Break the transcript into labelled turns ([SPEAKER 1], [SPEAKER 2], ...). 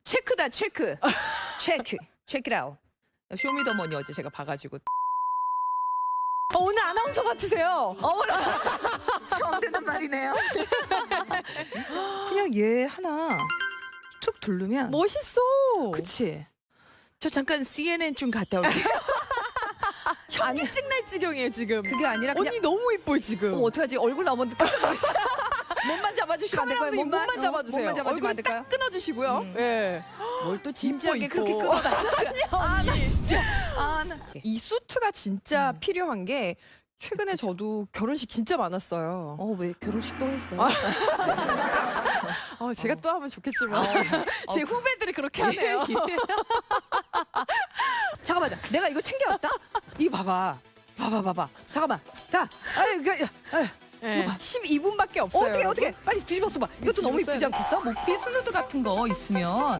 [SPEAKER 1] 체크다 체크. 체크. 체크 아웃. 쇼미더머니 어제 제가 봐가지고.
[SPEAKER 2] 오늘 아나운서 같으세요.
[SPEAKER 1] 어머나. 처음 듣는 말이네요. 그냥 얘 하나 툭 두르면.
[SPEAKER 2] 멋있어.
[SPEAKER 1] 그치. 저 잠깐 CNN 좀 갔다 올게요.
[SPEAKER 2] 현기증 날 지경이에요 지금.
[SPEAKER 1] 그게 아니라 그냥
[SPEAKER 2] 언니 너무 이뻐 지금.
[SPEAKER 1] 어떡하지? 얼굴 나오는데 깜짝 놀랐어. 몸만 잡아주시면 안 될까요?
[SPEAKER 2] 카메라맨 몸만 잡아주세요.
[SPEAKER 1] 몸만 잡아주면 안 될까요?
[SPEAKER 2] 끊어주시고요. 예.
[SPEAKER 1] 뭘 또 진지하게
[SPEAKER 2] 이뻐.
[SPEAKER 1] 그렇게 끊어달라고요? 나 진짜. 나.
[SPEAKER 2] 이 수트가 진짜 필요한 게 최근에 저도 결혼식 진짜 많았어요.
[SPEAKER 1] 왜 결혼식도 했어요?
[SPEAKER 2] 제가 또 하면 좋겠지만 제 후배들이 그렇게 하네요.
[SPEAKER 1] 잠깐만, 내가 이거 챙겨왔다? 이거 봐봐. 봐봐. 잠깐만. 자,
[SPEAKER 2] 예.
[SPEAKER 1] 이거 봐.
[SPEAKER 2] 12분밖에 없어요.
[SPEAKER 1] 어떻게 빨리 뒤집어서 봐. 이것도 너무
[SPEAKER 2] 뒤집었어요.
[SPEAKER 1] 이쁘지 않겠어? 뭐 피스누드 같은 거 있으면.